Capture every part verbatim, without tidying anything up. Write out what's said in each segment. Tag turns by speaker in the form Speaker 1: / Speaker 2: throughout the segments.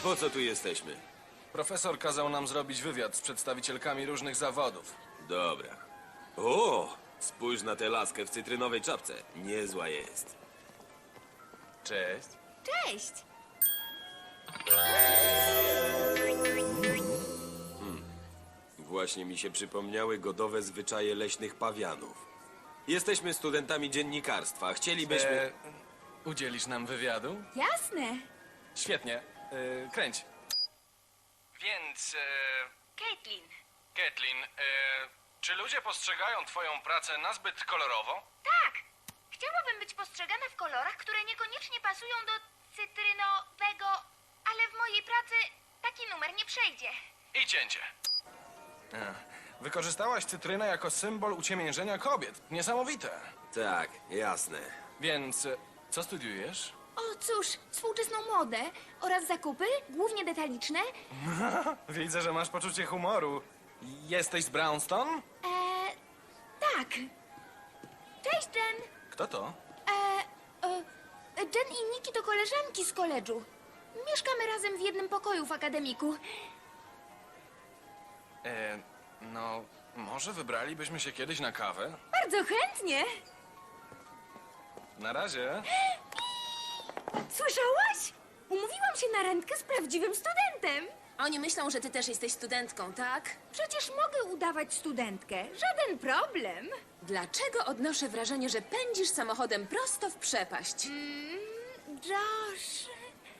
Speaker 1: Po co tu jesteśmy?
Speaker 2: Profesor kazał nam zrobić wywiad z przedstawicielkami różnych zawodów.
Speaker 1: Dobra. O! Spójrz na tę laskę w cytrynowej czapce. Niezła jest.
Speaker 2: Cześć.
Speaker 3: Cześć!
Speaker 1: Właśnie mi się przypomniały godowe zwyczaje leśnych pawianów. Jesteśmy studentami dziennikarstwa. Chcielibyśmy...
Speaker 2: E, udzielisz nam wywiadu?
Speaker 3: Jasne!
Speaker 2: Świetnie. E, kręć. Więc, e,
Speaker 3: Caitlin.
Speaker 2: Kathleen, e, czy ludzie postrzegają twoją pracę nazbyt kolorowo?
Speaker 3: Tak! Chciałabym być postrzegana w kolorach, które niekoniecznie pasują do cytrynowego, ale w mojej pracy taki numer nie przejdzie.
Speaker 2: I cięcie. E, wykorzystałaś cytrynę jako symbol uciemiężenia kobiet. Niesamowite.
Speaker 1: Tak, jasne.
Speaker 2: Więc, e, co studiujesz?
Speaker 3: O cóż, współczesną modę oraz zakupy, głównie detaliczne.
Speaker 2: Widzę, że masz poczucie humoru. Jesteś z Brownstone?
Speaker 3: Eee, tak. Cześć, Jen.
Speaker 2: Kto to?
Speaker 3: Eee, e, Jen i Nikki to koleżanki z koledżu. Mieszkamy razem w jednym pokoju w akademiku.
Speaker 2: E, no, może wybralibyśmy się kiedyś na kawę?
Speaker 3: Bardzo chętnie.
Speaker 2: Na razie.
Speaker 3: Słyszałaś? Umówiłam się na randkę z prawdziwym studentem.
Speaker 4: Oni myślą, że ty też jesteś studentką, tak?
Speaker 3: Przecież mogę udawać studentkę. Żaden problem.
Speaker 4: Dlaczego odnoszę wrażenie, że pędzisz samochodem prosto w przepaść?
Speaker 3: Mm, Josh...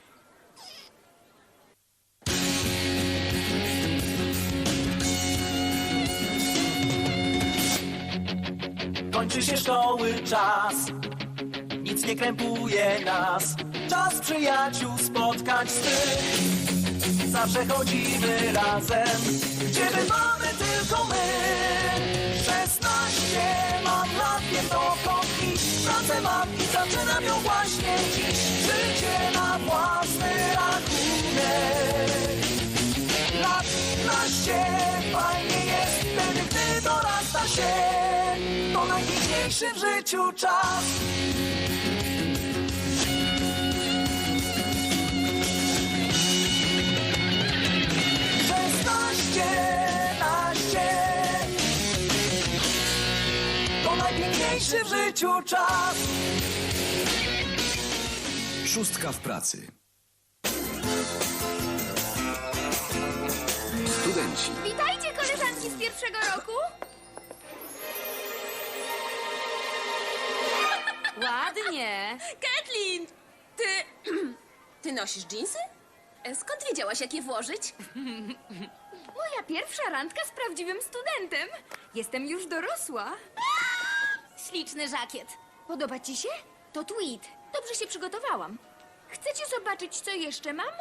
Speaker 5: Kończy się szkoły czas, nic nie krępuje nas. Czas przyjaciół spotkać swych. Zawsze chodzimy razem, gdzie bywamy tylko my. Szesnaście mam lat, wiem dokąd iść. Pracę mam i zaczynam ją właśnie dziś. Życie na własny rachunek. Lat naście, fajnie jest wtedy, gdy dorasta się. To najpiękniejszy w życiu czas. Szesnaście, naście. To najpiękniejszy w życiu czas.
Speaker 6: Szóstka w pracy.
Speaker 1: Studenci.
Speaker 3: Witajcie, koleżanki z pierwszego roku.
Speaker 4: Ładnie! Kathleen! Ty... Ty nosisz dżinsy? E, Skąd wiedziałaś, jak je włożyć?
Speaker 3: Moja pierwsza randka z prawdziwym studentem. Jestem już dorosła. Śliczny żakiet. Podoba ci się? To tweed. Dobrze się przygotowałam. Chcecie zobaczyć, co jeszcze mam?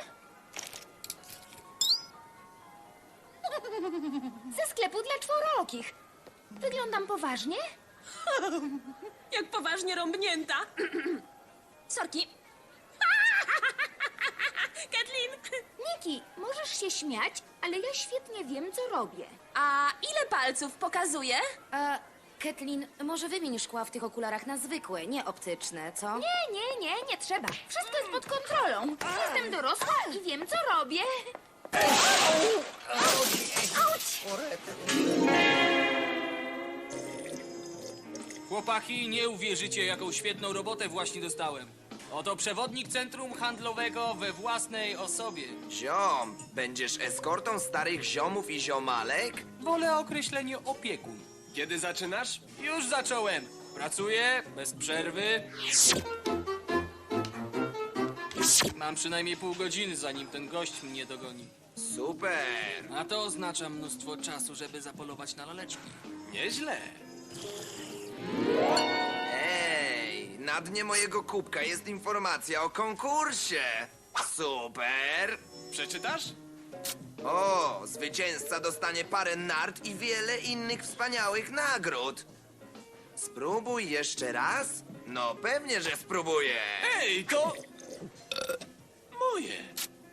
Speaker 3: Ze sklepu dla czworookich. Wyglądam poważnie?
Speaker 4: Jak poważnie rąbnięta. Sorki. Kathleen!
Speaker 3: Niki, możesz się śmiać, ale ja świetnie wiem, co robię.
Speaker 4: A ile palców pokazuje?
Speaker 7: E, Kathleen, może wymień szkła w tych okularach na zwykłe, nie optyczne, co?
Speaker 3: Nie, nie, nie, nie trzeba. Wszystko jest pod kontrolą. Jestem dorosła i wiem, co robię.
Speaker 8: Chłopaki, nie uwierzycie, jaką świetną robotę właśnie dostałem. Oto przewodnik centrum handlowego we własnej osobie.
Speaker 9: Ziom, będziesz eskortą starych ziomów i ziomalek?
Speaker 8: Wolę określenie opiekun. Kiedy zaczynasz? Już zacząłem. Pracuję bez przerwy. Mam przynajmniej pół godziny, zanim ten gość mnie dogoni.
Speaker 9: Super!
Speaker 8: A to oznacza mnóstwo czasu, żeby zapolować na laleczki. Nieźle.
Speaker 9: Ej, na dnie mojego kubka jest informacja o konkursie. Super!
Speaker 8: Przeczytasz?
Speaker 9: O, zwycięzca dostanie parę nart i wiele innych wspaniałych nagród. Spróbuj jeszcze raz? No pewnie, że spróbuję.
Speaker 8: Ej, to... moje.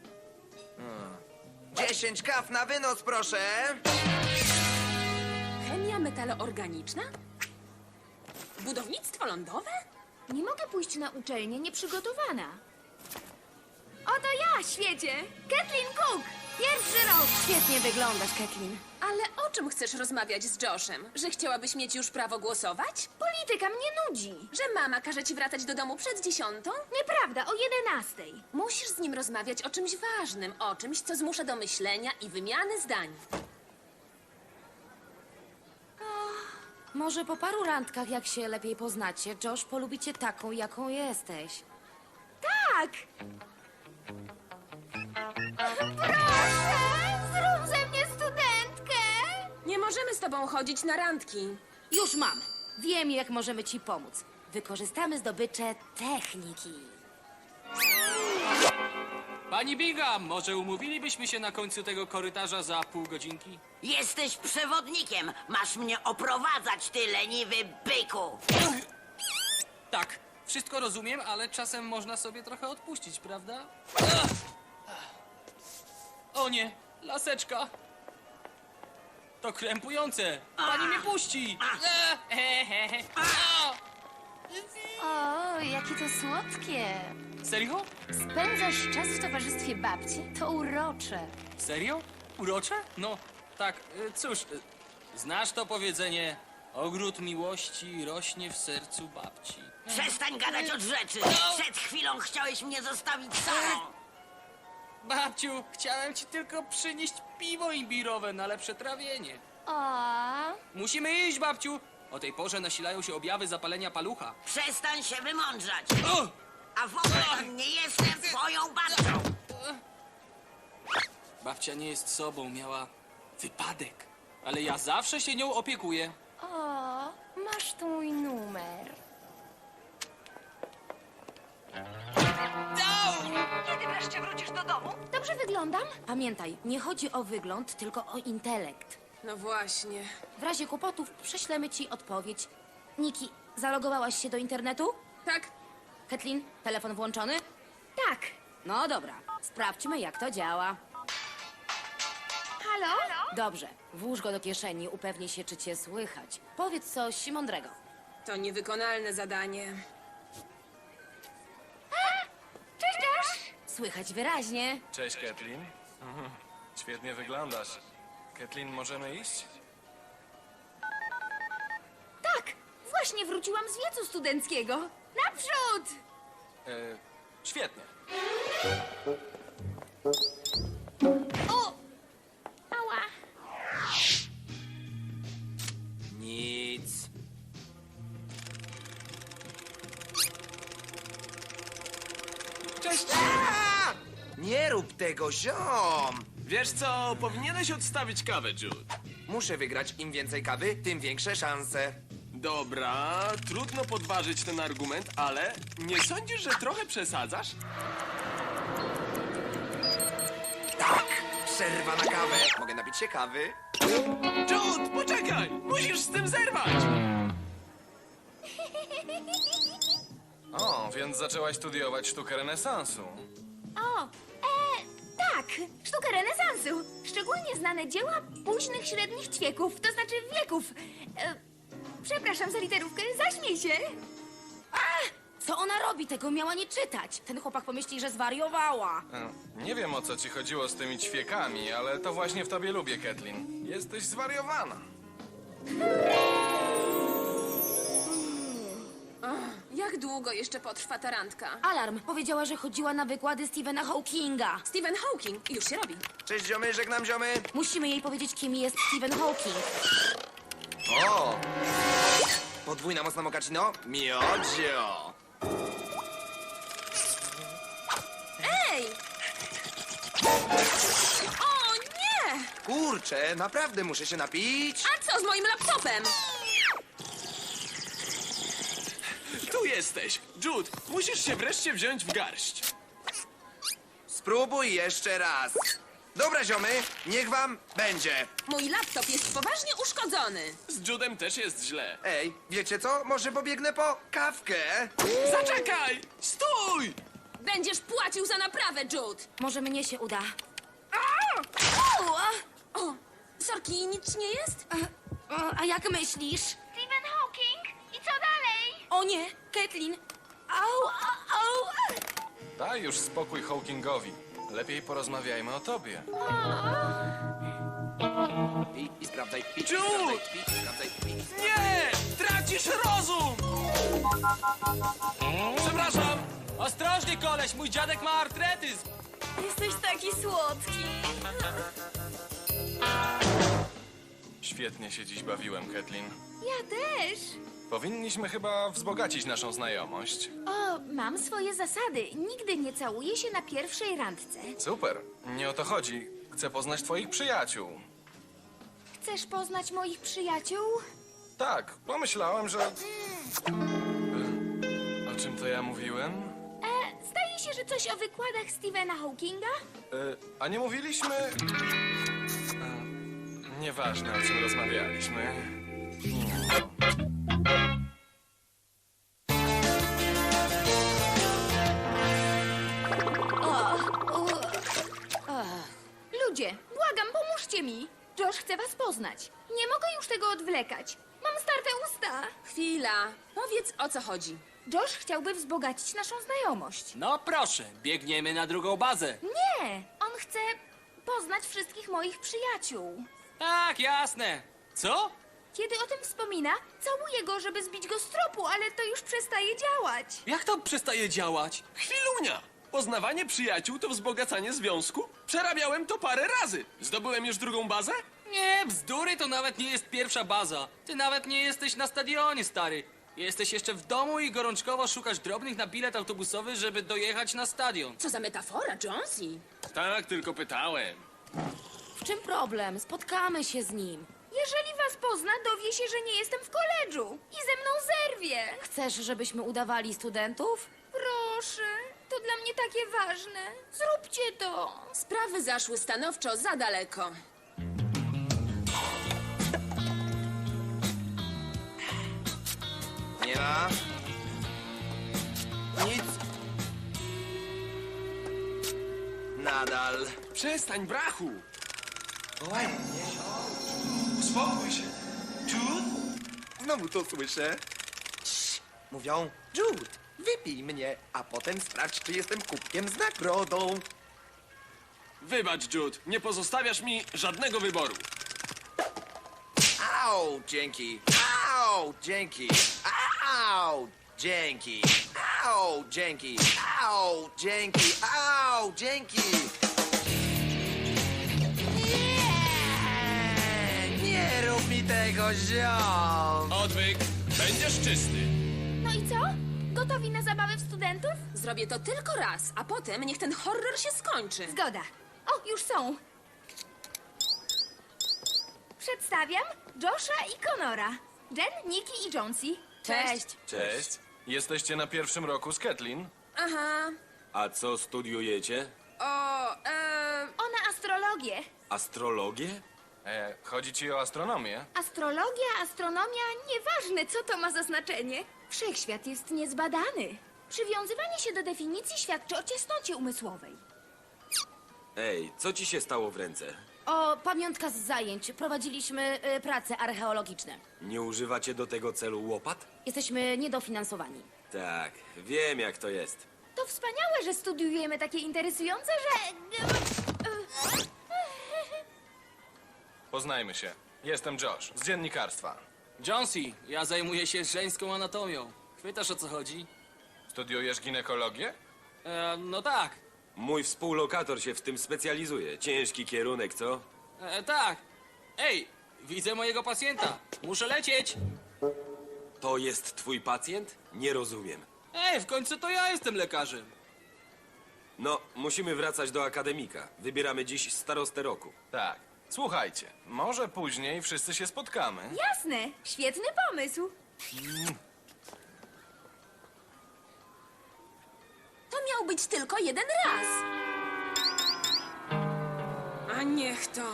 Speaker 9: Dziesięć kaw na wynos, proszę.
Speaker 4: Chemia metaloorganiczna? Budownictwo lądowe?
Speaker 3: Nie mogę pójść na uczelnię nieprzygotowana. Oto ja, świecie! Kathleen Cook! Pierwszy rok!
Speaker 7: Świetnie wyglądasz, Kathleen.
Speaker 4: Ale o czym chcesz rozmawiać z Joshem? Że chciałabyś mieć już prawo głosować?
Speaker 3: Polityka mnie nudzi.
Speaker 4: Że mama każe ci wracać do domu przed dziesiątą?
Speaker 3: Nieprawda, o jedenastej.
Speaker 4: Musisz z nim rozmawiać o czymś ważnym, o czymś, co zmusza do myślenia i wymiany zdań.
Speaker 7: Może po paru randkach, jak się lepiej poznacie, Josh polubi cię taką, jaką jesteś.
Speaker 3: Tak! Proszę! Zrób ze mnie studentkę!
Speaker 4: Nie możemy z tobą chodzić na randki.
Speaker 7: Już mam. Wiem, jak możemy ci pomóc. Wykorzystamy zdobycze techniki.
Speaker 8: Pani Bingham, może umówilibyśmy się na końcu tego korytarza za pół godzinki?
Speaker 10: Jesteś przewodnikiem. Masz mnie oprowadzać, ty leniwy byku.
Speaker 8: Tak, wszystko rozumiem, ale czasem można sobie trochę odpuścić, prawda? Ach! O nie, laseczka. To krępujące. Pani mnie puści. Ech, he, he, he. A!
Speaker 3: O, jakie to słodkie.
Speaker 8: Serio?
Speaker 3: Spędzasz czas w towarzystwie babci? To urocze.
Speaker 8: Serio? Urocze? No, tak, y, cóż, y, znasz to powiedzenie, ogród miłości rośnie w sercu babci.
Speaker 10: Przestań gadać od rzeczy. Przed chwilą chciałeś mnie zostawić samą.
Speaker 8: Babciu, chciałem ci tylko przynieść piwo imbirowe na lepsze trawienie.
Speaker 3: O,
Speaker 8: Musimy iść, babciu. O tej porze nasilają się objawy zapalenia palucha.
Speaker 10: Przestań się wymądrzać.
Speaker 8: O!
Speaker 10: A w ogóle nie jestem twoją babcią.
Speaker 8: Babcia nie jest sobą, miała wypadek. Ale ja zawsze się nią opiekuję.
Speaker 3: o, masz tu mój numer.
Speaker 10: Kiedy wreszcie wrócisz do domu?
Speaker 3: Dobrze wyglądam?
Speaker 7: Pamiętaj, nie chodzi o wygląd, tylko o intelekt.
Speaker 4: No właśnie.
Speaker 7: W razie kłopotów prześlemy ci odpowiedź. Niki, zalogowałaś się do internetu?
Speaker 4: Tak,
Speaker 7: Kathleen, telefon włączony?
Speaker 3: Tak.
Speaker 7: No dobra, sprawdźmy, jak to działa.
Speaker 3: Halo?
Speaker 7: Dobrze, włóż go do kieszeni, upewnij się, czy cię słychać. Powiedz coś mądrego.
Speaker 4: to niewykonalne zadanie.
Speaker 3: Cześć, Josh!
Speaker 7: Słychać wyraźnie.
Speaker 2: Cześć, Kathleen. Mhm. Świetnie wyglądasz. Kathleen, możemy iść?
Speaker 3: Tak, właśnie wróciłam z wiecu studenckiego. Naprzód!
Speaker 2: E, świetnie.
Speaker 3: O! Ała.
Speaker 1: Nic.
Speaker 9: Cześć! Nie rób tego, ziom!
Speaker 1: Wiesz co, powinieneś odstawić kawę, Jude.
Speaker 9: Muszę wygrać. Im więcej kawy, tym większe szanse.
Speaker 1: Dobra, trudno podważyć ten argument, ale nie sądzisz, że trochę przesadzasz?
Speaker 9: Tak! Przerwa na kawę. Mogę napić się kawy?
Speaker 1: Jude, poczekaj! Musisz z tym zerwać!
Speaker 2: O, więc zaczęłaś studiować sztukę renesansu.
Speaker 3: O, e, tak, sztukę renesansu. Szczególnie znane dzieła późnych średnich ćwieków, to znaczy wieków. E, przepraszam za literówkę, zaśmiej się.
Speaker 7: Co ona robi? Tego miała nie czytać. Ten chłopak pomyśli, że zwariowała.
Speaker 2: E, Nie wiem, o co ci chodziło z tymi ćwiekami, ale to właśnie w tobie lubię, Kathleen. Jesteś zwariowana.
Speaker 4: Jak długo jeszcze potrwa ta randka?
Speaker 7: Alarm! Powiedziała, że chodziła na wykłady Stephena Hawkinga.
Speaker 4: Stephen Hawking, już się robi.
Speaker 9: Cześć, ziomy, żegnam, ziomy.
Speaker 7: Musimy jej powiedzieć, kim jest Stephen Hawking.
Speaker 9: O! Podwójna mocna mokaccino? Miodzio!
Speaker 4: Ej! O nie!
Speaker 9: Kurczę, naprawdę muszę się napić.
Speaker 4: A co z moim laptopem?
Speaker 1: Tu jesteś! Jude, musisz się wreszcie wziąć w garść.
Speaker 9: Spróbuj jeszcze raz. Dobra, ziomy, niech wam będzie.
Speaker 4: Mój laptop jest poważnie uszkodzony.
Speaker 1: Z Judem też jest źle.
Speaker 9: Ej, wiecie co? Może pobiegnę po kawkę?
Speaker 1: Zaczekaj! Stój!
Speaker 4: Będziesz płacił za naprawę, Jude.
Speaker 7: Może mnie się uda.
Speaker 4: O, sorki, nic nie jest?
Speaker 7: O, a jak myślisz?
Speaker 3: Stephen Hawking? I co dalej?
Speaker 7: O nie, Kathleen! Au, au, au!
Speaker 2: Tak, Daj już spokój Hawkingowi. Lepiej porozmawiajmy o tobie.
Speaker 9: Pi, i sprawdzaj, pi, i
Speaker 8: Jude!
Speaker 9: sprawdzaj, pi, i sprawdzaj, pi, i sprawdzaj.
Speaker 8: Nie! Tracisz rozum! Przepraszam! Ostrożnie, koleś, mój dziadek ma artretyzm!
Speaker 3: Jesteś taki słodki.
Speaker 2: Świetnie się dziś bawiłem, Kathleen.
Speaker 3: Ja też.
Speaker 2: Powinniśmy chyba wzbogacić naszą znajomość.
Speaker 3: O, mam swoje zasady. Nigdy nie całuję się na pierwszej randce.
Speaker 2: Super. Nie o to chodzi. Chcę poznać twoich przyjaciół.
Speaker 3: Chcesz poznać moich przyjaciół?
Speaker 2: Tak, pomyślałem, że... O czym to ja mówiłem?
Speaker 3: E, zdaje się, że coś o wykładach Stephena Hawkinga?
Speaker 2: E, a nie mówiliśmy... E, nieważne, o czym rozmawialiśmy.
Speaker 3: Ludzie, błagam, pomóżcie mi. Josh chce was poznać. Nie mogę już tego odwlekać. Mam starte usta.
Speaker 4: Chwila. Powiedz, o co chodzi.
Speaker 3: Josh chciałby wzbogacić naszą znajomość.
Speaker 8: No proszę, biegniemy na drugą bazę.
Speaker 3: Nie, on chce poznać wszystkich moich przyjaciół.
Speaker 8: Tak, jasne. Co?
Speaker 3: Kiedy o tym wspomina, całuję go, żeby zbić go z tropu, ale to już przestaje działać.
Speaker 8: Jak to przestaje działać?
Speaker 11: Chwilunia! Poznawanie przyjaciół to wzbogacanie związku? Przerabiałem to parę razy. Zdobyłem już drugą bazę?
Speaker 8: Nie, bzdury, to nawet nie jest pierwsza baza. Ty nawet nie jesteś na stadionie, stary. Jesteś jeszcze w domu i gorączkowo szukasz drobnych na bilet autobusowy, żeby dojechać na stadion.
Speaker 4: Co za metafora, Jonesy?
Speaker 11: Tak, tylko pytałem.
Speaker 7: W czym problem? Spotkamy się z nim.
Speaker 3: Jeżeli was pozna, dowie się, że nie jestem w koledżu i ze mną zerwie.
Speaker 7: Chcesz, żebyśmy udawali studentów?
Speaker 3: Proszę, to dla mnie takie ważne. Zróbcie to.
Speaker 4: Sprawy zaszły stanowczo za daleko.
Speaker 9: Nie ma. Nic. Nadal.
Speaker 11: Przestań, brachu!
Speaker 9: Ładnie.
Speaker 11: Uspokój się. Jude?
Speaker 9: Znowu to słyszę. Cii. Mówią, Jude, wypij mnie, a potem sprawdź, czy jestem kubkiem z nagrodą.
Speaker 11: Wybacz, Jude. Nie pozostawiasz mi żadnego wyboru.
Speaker 9: Au, dzięki. Au, dzięki. Au, dzięki. Au, dzięki. Au, dzięki. Au, dzięki. Nie, nie rób mi tego, ziom.
Speaker 11: Odwyk. Będziesz czysty.
Speaker 3: No i co? Gotowi na zabawę w studentów?
Speaker 4: Zrobię to tylko raz, a potem niech ten horror się skończy.
Speaker 3: Zgoda. O, już są. Przedstawiam Josha i Conora. Jen, Nikki i Jonesy.
Speaker 7: Cześć.
Speaker 1: Cześć.
Speaker 2: Jesteście na pierwszym roku z Kathleen?
Speaker 4: Aha.
Speaker 1: A co studiujecie?
Speaker 4: O, e,
Speaker 3: Ona astrologię.
Speaker 1: Astrologię?
Speaker 2: E, chodzi ci o astronomię?
Speaker 3: Astrologia, astronomia, nieważne co to ma za znaczenie. Wszechświat jest niezbadany. Przywiązywanie się do definicji świadczy o ciasnocie umysłowej.
Speaker 1: Ej, co ci się stało w ręce?
Speaker 7: O, pamiątka z zajęć. Prowadziliśmy y, prace archeologiczne.
Speaker 1: Nie używacie do tego celu łopat?
Speaker 7: Jesteśmy niedofinansowani.
Speaker 1: Tak, wiem jak to jest.
Speaker 3: To wspaniałe, że studiujemy takie interesujące, że...
Speaker 2: Poznajmy się. Jestem Josh, z dziennikarstwa.
Speaker 8: Jonesy, ja zajmuję się żeńską anatomią. Chwytasz, o co chodzi?
Speaker 2: Studiujesz ginekologię?
Speaker 8: E, no tak.
Speaker 1: Mój współlokator się w tym specjalizuje. Ciężki kierunek, co?
Speaker 8: E, tak. Ej, widzę mojego pacjenta. Muszę lecieć.
Speaker 1: To jest twój pacjent? Nie rozumiem.
Speaker 8: Ej, w końcu to ja jestem lekarzem.
Speaker 1: No, musimy wracać do akademika. Wybieramy dziś starostę roku.
Speaker 2: Tak. Słuchajcie, może później wszyscy się spotkamy.
Speaker 3: Jasne, świetny pomysł.
Speaker 4: to miał być tylko jeden raz. A niech to.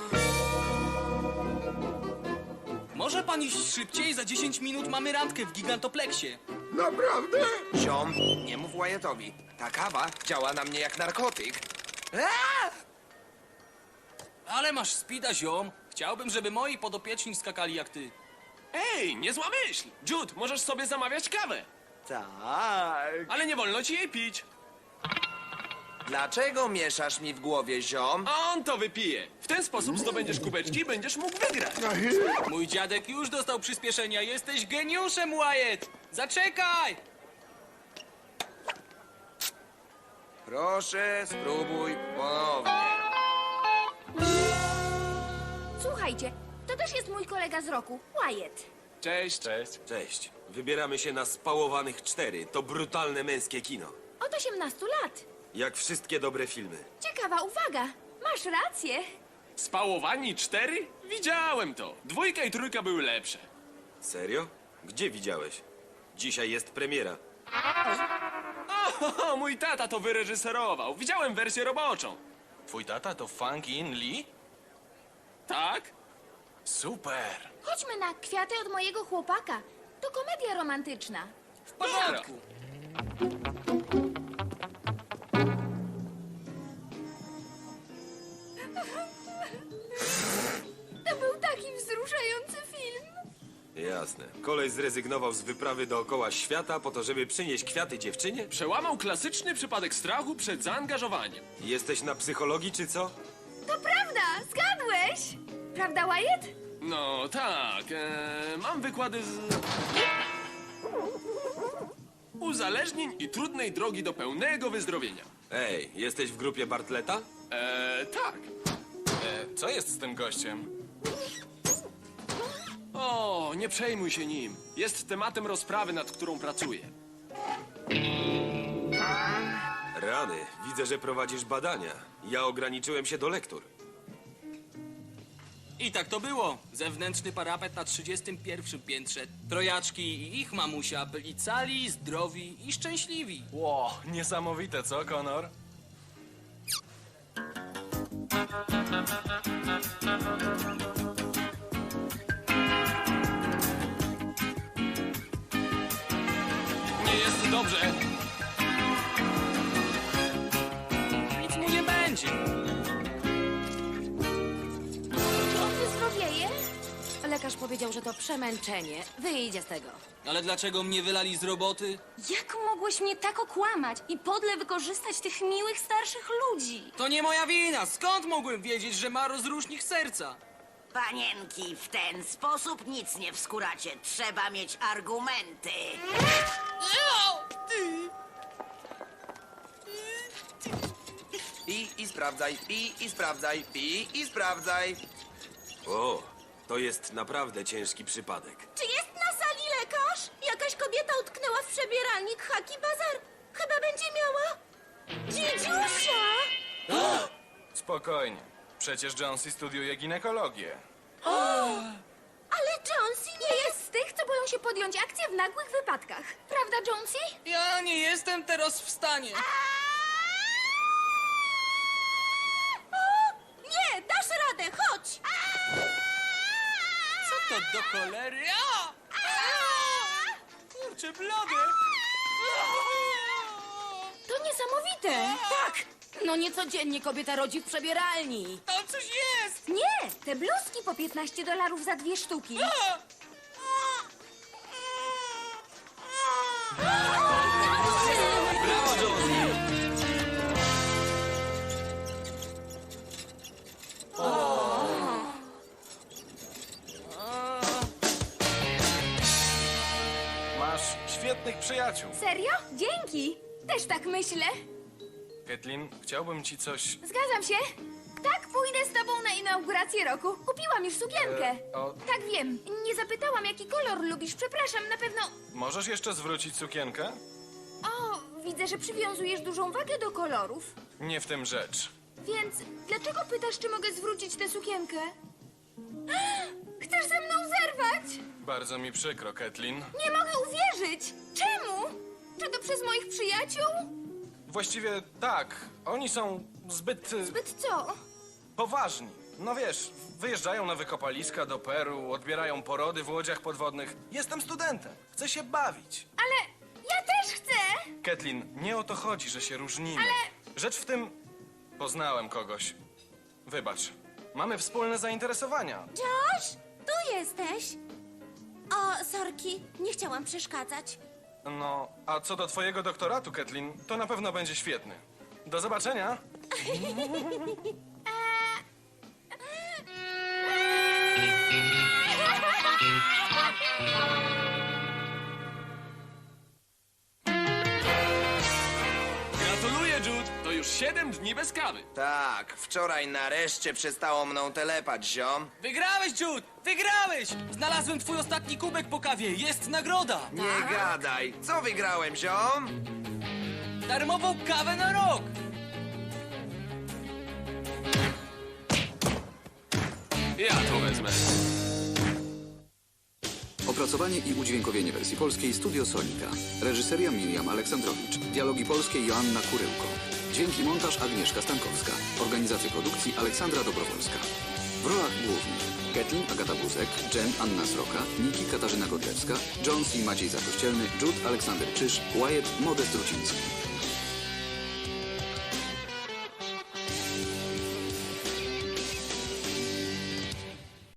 Speaker 8: Może pan iść szybciej? Za dziesięć minut mamy randkę w gigantopleksie.
Speaker 9: Naprawdę? Ziom, nie mów Wyattowi. Ta kawa działa na mnie jak narkotyk. Aaa!
Speaker 8: Ale masz spida, ziom. Chciałbym, żeby moi podopieczni skakali jak ty.
Speaker 11: Ej, niezła myśl! Jude, możesz sobie zamawiać kawę.
Speaker 9: Tak.
Speaker 11: Ale nie wolno ci jej pić.
Speaker 9: Dlaczego mieszasz mi w głowie, ziom?
Speaker 11: A on to wypije. W ten sposób zdobędziesz kubeczki i będziesz mógł wygrać.
Speaker 8: Mój dziadek już dostał przyspieszenia. Jesteś geniuszem, Wyatt! Zaczekaj!
Speaker 9: Proszę, spróbuj ponownie.
Speaker 3: Słuchajcie, to też jest mój kolega z roku, Wyatt.
Speaker 11: Cześć.
Speaker 2: Cześć.
Speaker 1: Cześć. Wybieramy się na Spałowanych cztery. To brutalne męskie kino.
Speaker 3: Od osiemnastu lat.
Speaker 1: Jak wszystkie dobre filmy.
Speaker 3: Ciekawa uwaga. Masz rację.
Speaker 11: Spałowani cztery? Widziałem to. Dwójka i trójka były lepsze.
Speaker 1: Serio? Gdzie widziałeś? Dzisiaj jest premiera.
Speaker 11: O, mój tata to wyreżyserował. Widziałem wersję roboczą.
Speaker 2: Twój tata to Fang In Lee?
Speaker 11: Tak?
Speaker 2: Super.
Speaker 3: Chodźmy na Kwiaty od mojego chłopaka. To komedia romantyczna.
Speaker 8: W porządku.
Speaker 3: To był taki wzruszający film.
Speaker 1: Jasne. Koleś zrezygnował z wyprawy dookoła świata po to, żeby przynieść kwiaty dziewczynie?
Speaker 11: Przełamał klasyczny przypadek strachu przed zaangażowaniem.
Speaker 1: Jesteś na psychologii czy co?
Speaker 3: To prawda, zgadłeś. Prawda, Wyatt?
Speaker 11: No tak, e, mam wykłady z... uzależnień i trudnej drogi do pełnego wyzdrowienia.
Speaker 1: Ej, jesteś w grupie Bartleta?
Speaker 11: E, tak.
Speaker 2: E, co jest z tym gościem?
Speaker 11: O, nie przejmuj się nim. Jest tematem rozprawy, nad którą pracuję.
Speaker 1: Rany, widzę, że prowadzisz badania. Ja ograniczyłem się do lektur.
Speaker 8: I tak to było. Zewnętrzny parapet na trzydziestym pierwszym piętrze. Trojaczki i ich mamusia byli cali, zdrowi i szczęśliwi.
Speaker 2: Ło, niesamowite, co, Connor?
Speaker 11: Nie jest dobrze.
Speaker 8: Nic mu nie będzie.
Speaker 3: Czy on wyzdrowieje?
Speaker 7: Lekarz powiedział, że to przemęczenie. Wyjdzie z tego.
Speaker 8: Ale dlaczego mnie wylali z roboty?
Speaker 4: Jak mogłeś mnie tak okłamać i podle wykorzystać tych miłych starszych ludzi?
Speaker 8: To nie moja wina. Skąd mogłem wiedzieć, że ma rozrusznik serca?
Speaker 10: Panienki, w ten sposób nic nie wskóracie. Trzeba mieć argumenty.
Speaker 9: Pij i sprawdzaj, pij i sprawdzaj, pij i sprawdzaj.
Speaker 1: O, to jest naprawdę ciężki przypadek.
Speaker 4: Czy jest na sali lekarz? Jakaś kobieta utknęła w przebieralnik Haki Bazar. Chyba będzie miała... dziedziusia!
Speaker 2: Spokojnie. Przecież Jonesy studiuje ginekologię.
Speaker 3: Ale Jonesy nie jest z tych, co boją się podjąć akcję w nagłych wypadkach. Prawda, Jonesy?
Speaker 8: Ja nie jestem teraz w stanie.
Speaker 4: Nie, dasz radę, chodź!
Speaker 8: Co to do cholery? A! Kurczę, blady!
Speaker 3: To niesamowite.
Speaker 7: Tak! No niecodziennie kobieta rodzi w przebieralni.
Speaker 8: Tam coś jest!
Speaker 3: Nie, te bluzki po piętnaście dolarów za dwie sztuki.
Speaker 1: Brawo, Jonesy!
Speaker 2: Masz świetnych przyjaciół.
Speaker 3: Serio? Dzięki. Też tak myślę.
Speaker 2: Caitlin, chciałbym ci coś...
Speaker 3: Zgadzam się. Tak, pójdę z tobą na inaugurację roku. Kupiłam już sukienkę.
Speaker 2: E, o-
Speaker 3: Tak, wiem. Nie zapytałam, jaki kolor lubisz. Przepraszam, na pewno...
Speaker 2: Możesz jeszcze zwrócić sukienkę?
Speaker 3: O, widzę, że przywiązujesz dużą wagę do kolorów.
Speaker 2: Nie w tym rzecz.
Speaker 3: Więc dlaczego pytasz, czy mogę zwrócić tę sukienkę? Chcesz ze mną zerwać?
Speaker 2: Bardzo mi przykro, Caitlin.
Speaker 3: Nie mogę uwierzyć. Czemu? Czy to przez moich przyjaciół?
Speaker 2: Właściwie tak. Oni są zbyt... y,
Speaker 3: Zbyt co?
Speaker 2: poważni. No wiesz, wyjeżdżają na wykopaliska do Peru, odbierają porody w łodziach podwodnych. Jestem studentem. Chcę się bawić.
Speaker 3: Ale ja też chcę.
Speaker 2: Caitlin, nie o to chodzi, że się różnimy.
Speaker 3: Ale-
Speaker 2: Rzecz w tym... Poznałem kogoś. Wybacz. Mamy wspólne zainteresowania.
Speaker 4: Josh, tu jesteś. O, sorki, nie chciałam przeszkadzać.
Speaker 2: No, a co do twojego doktoratu, Caitlin, to na pewno będzie świetny. Do zobaczenia.
Speaker 11: Gratuluję, Jude. To już siedem dni bez kawy.
Speaker 9: Tak, wczoraj nareszcie przestało mną telepać, ziom.
Speaker 8: Wygrałeś, Jude! Wygrałeś! Znalazłem twój ostatni kubek po kawie. Jest nagroda!
Speaker 9: Nie gadaj. Co wygrałem, ziom?
Speaker 8: Darmową kawę na rok!
Speaker 11: Ja to wezmę.
Speaker 6: Opracowanie i udźwiękowienie wersji polskiej Studio Sonika. Reżyseria Miriam Aleksandrowicz. Dialogi polskie Joanna Kuryłko. Dźwięki montaż Agnieszka Stankowska. Organizacja produkcji Aleksandra Dobrowolska. W rolach głównych Kathleen Agata Buzek, Jen Anna Sroka, Niki Katarzyna Godlewska, Jones i Maciej Zakościelny, Jude Aleksander Czyż, Wyatt Modest Ruciński.